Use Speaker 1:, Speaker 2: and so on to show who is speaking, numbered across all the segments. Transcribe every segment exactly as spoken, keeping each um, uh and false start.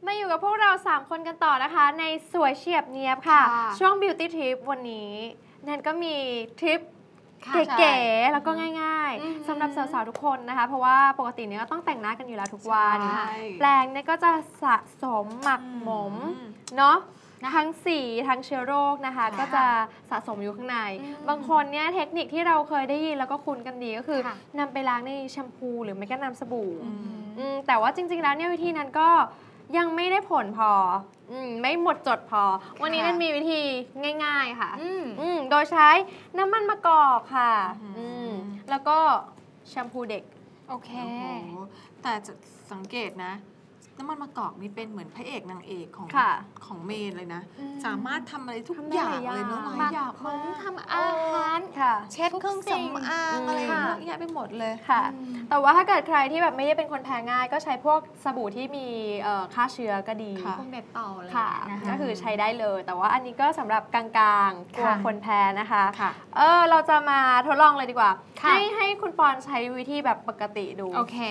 Speaker 1: มาอยู่กับพวกเราสามคนกันต่อนะคะในสวยเฉียบเนียบค่ะ ช่วง Beauty Trip วันนี้แนนก็มีทริปเก๋ๆแล้วก็ง่ายๆสำหรับสาวๆทุกคนนะคะเพราะว่าปกติเนี่ยก็ต้องแต่งหน้ากันอยู่แล้วทุกวันแปรงเนี่ยก็จะสะสมหมักหมมเนาะทั้งสีทั้งเชื้อโรคนะคะก็จะสะสมอยู่ข้างในบางคนเนี่ยเทคนิคที่เราเคยได้ยินแล้วก็คุ้นกันดีก็คือนำไปล้างในแชมพูหรือไม่ก็น้ำสบู่แต่ว่าจริงๆแล้วเนี่ยวิธีนั้นก็ยังไม่ได้ผลพออืมไม่หมดจดพอวันนี้มันมีวิธีง่ายๆค่ะอืมโดยใช้น้ำมันมะกอกค่ะอืมแล้วก็แชมพูเด็ก
Speaker 2: โอเคแต่จะสังเกตนะน้ำมันมะกอกนี่เป็นเหมือนพระเอกนางเอกของของเมนเลยนะสามารถทำอะไรทุกอย่างเลยเนาะหลายอย่าง
Speaker 1: มันทำอาหาร
Speaker 2: เช็ดเครื่องสำอางอะไรเยอะแยะไปหมดเลย
Speaker 1: ค่ะแต่ว่าถ้าเกิดใครที่แบบไม่ได้เป็นคนแพ้ง่ายก็ใช้พวกสบู่ที่มีฆ่าเชื้อก็ดี
Speaker 2: พวกเด็ดต่อเลย
Speaker 1: ก็คือใช้ได้เลยแต่ว่าอันนี้ก็สำหรับกลางๆกลัวคนแพ้นะคะเออเราจะมาทดลองเลยดีกว่าให้ให้คุณปอนใช้วิธีแบบปกติดู
Speaker 2: โอเค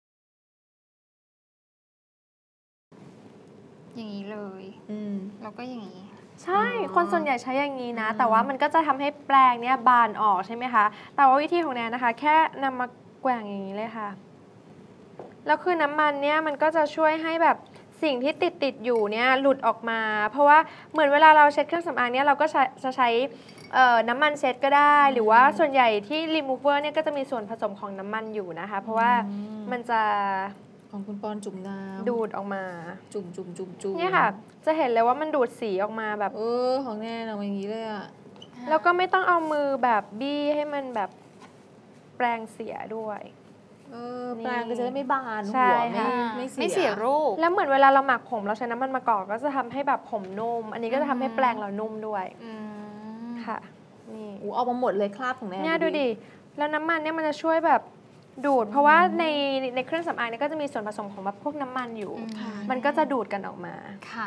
Speaker 2: อย่างนี้เลยแล้วก็อย่างนี้
Speaker 1: ใช่คนส่วนใหญ่ใช้อย่างนี้นะแต่ว่ามันก็จะทำให้แปลงเนี้ยบานออกใช่ไหมคะแต่ว่าวิธีของแนนนะคะแค่นำมาแกว่งอย่างนี้เลยค่ะแล้วคือน้ำมันเนี่ยมันก็จะช่วยให้แบบสิ่งที่ติดติดอยู่เนี่ยหลุดออกมาเพราะว่าเหมือนเวลาเราเช็ดเครื่องสำอางเนี่ยเราก็จะใช้น้ำมันเช็ดก็ได้หรือว่าส่วนใหญ่ที่ remover เนี่ยก็จะมีส่วนผสมของน้ำมันอยู่นะคะเพราะว่ามันจะ
Speaker 2: ของคุณปอนจุ่มน้ำ
Speaker 1: ดูดออกมา
Speaker 2: จุ่มจุ่มจุ่มจุ่ม
Speaker 1: เนี่ยค่ะจะเห็นเลยว่ามันดูดสีออกมาแบบ
Speaker 2: เออของแน่นออกมาอย่างนี้เลยอะ
Speaker 1: แล้วก็ไม่ต้องเอามือแบบบี้ให้มันแบบแปรงเสียด้วย
Speaker 2: เออแปรงก็จะได้ไม่บานหัวไม่ไม่
Speaker 1: ไม่เสียรูปแล้วเหมือนเวลาเราหมักผมเราใช้น้ำมันมะกอกก็จะทำให้แบบผมนุ่มอันนี้ก็จะทำให้แปรงเรานุ่มด้วยค่ะนี่
Speaker 2: อู้ออกมาหมดเลยคราบของแน่
Speaker 1: เนี่ยดูดิแล้วน้ำมันเนี่ยมันจะช่วยแบบดูดเพราะว่าในในเครื่องสำอางเนี่ยก็จะมีส่วนผสมของแบบพวกน้ำมันอยู่มันก็จะดูดกันออกมา
Speaker 2: ค่ะ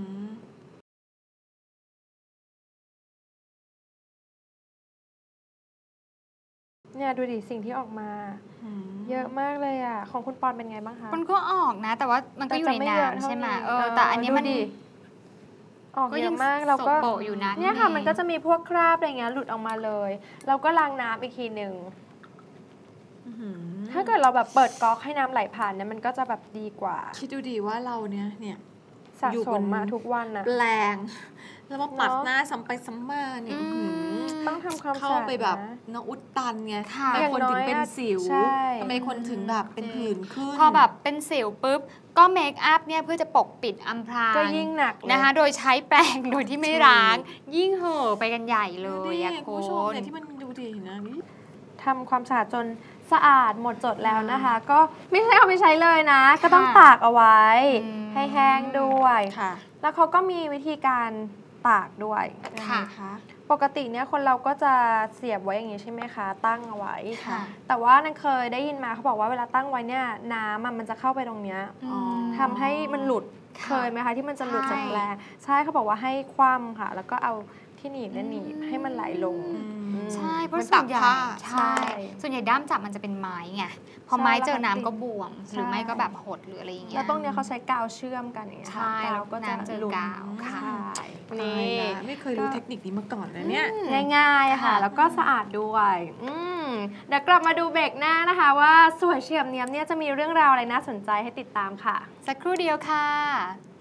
Speaker 1: เนี่ยดูดิสิ่งที่ออกมาเยอะมากเลยอ่ะของคุณปอนเป็นไงบ้างคะ
Speaker 2: มันก็ออกนะแต่ว่ามันก็อยู่ในน้ำใช่ไหมเออแต่อันนี้มัน
Speaker 1: ออกเยอะมากเราก็เนี่ยค่ะมันก็จะมีพวกคราบอะไรเงี้ยหลุดออกมาเลยเราก็ล้างน้ำอีกทีหนึ่งถ้าเกิดเราแบบเปิดก๊อกให้น้ำไหลผ่านเนี่ยมันก็จะแบบดีกว่า
Speaker 2: คิดดูดีว่าเราเนี่ยเนี่ย
Speaker 1: สะสมมาทุกวันนะ
Speaker 2: แปลงแล้วมาปัดหน้าซ้ำไปซ้ำมาเนี่ย
Speaker 1: ต้องทำความ
Speaker 2: เข้าไปแบบน้องอุดตันไงทำไมคนถึงเป็นสิวทำไมคนถึงแบบเป็นผื่นขึ้น
Speaker 3: พอแบบเป็นสิวปุ๊บก็เมคอัพเนี่ยเพื่อจะปกปิดอำพราง
Speaker 1: ก็ยิ่งหนัก
Speaker 3: นะคะโดยใช้แปรงโดยที่ไม่ล้างยิ่งเห่อไปกันใหญ่เลยอะ
Speaker 2: คุณผู้ชมเนี่ยที่มันดูดีนะนี่
Speaker 1: ทำความสะอาดจนสะอาดหมดจดแล้วนะคะก็ไม่ใช่เอาไปใช้เลยนะก็ต้องตากเอาไว้ให้แห้งด้วยแล้วเขาก็มีวิธีการตากด้วย
Speaker 2: ค่ะ
Speaker 1: ปกติเนี่ยคนเราก็จะเสียบไว้อย่างนี้ใช่ไหมคะตั้งเอาไว้แต่ว่านั่นเคยได้ยินมาเขาบอกว่าเวลาตั้งไว้เนี่ยน้ำมันจะเข้าไปตรงเนี้ยทำให้มันหลุดเคยไหมคะที่มันจะหลุดจากแปลงใช่เขาบอกว่าให้คว่ำค่ะแล้วก็เอาที่หนีบนั่นหนีบให้มันไหลลง
Speaker 3: ใช่เพราะส่วนใหญ่ใช่ส่วนใหญ่ด้ามจับมันจะเป็นไม้ไงพอไม้เจอน้ำก็บวมหรือไม่ก็แบบหดหรืออะไรอย่างเงี้ย
Speaker 1: แล้วตรงเนี้ยเขาใช้กาวเชื่อมกันอย่างเงี้ย
Speaker 3: ใช่แล้วก็น้ำเจอกาวค่ะ
Speaker 2: นี่ไม่เคยรู้เทคนิคนี้มาก่อนนะเนี่ย
Speaker 1: ง่ายๆค่ะแล้วก็สะอาดด้วยเดี๋ยวกลับมาดูเบรกหน้านะคะว่าสวยเฉียบเนียบเนี่ยจะมีเรื่องราวอะไรน่าสนใจให้ติดตามค่ะ
Speaker 3: สักครู่เดียวค่ะ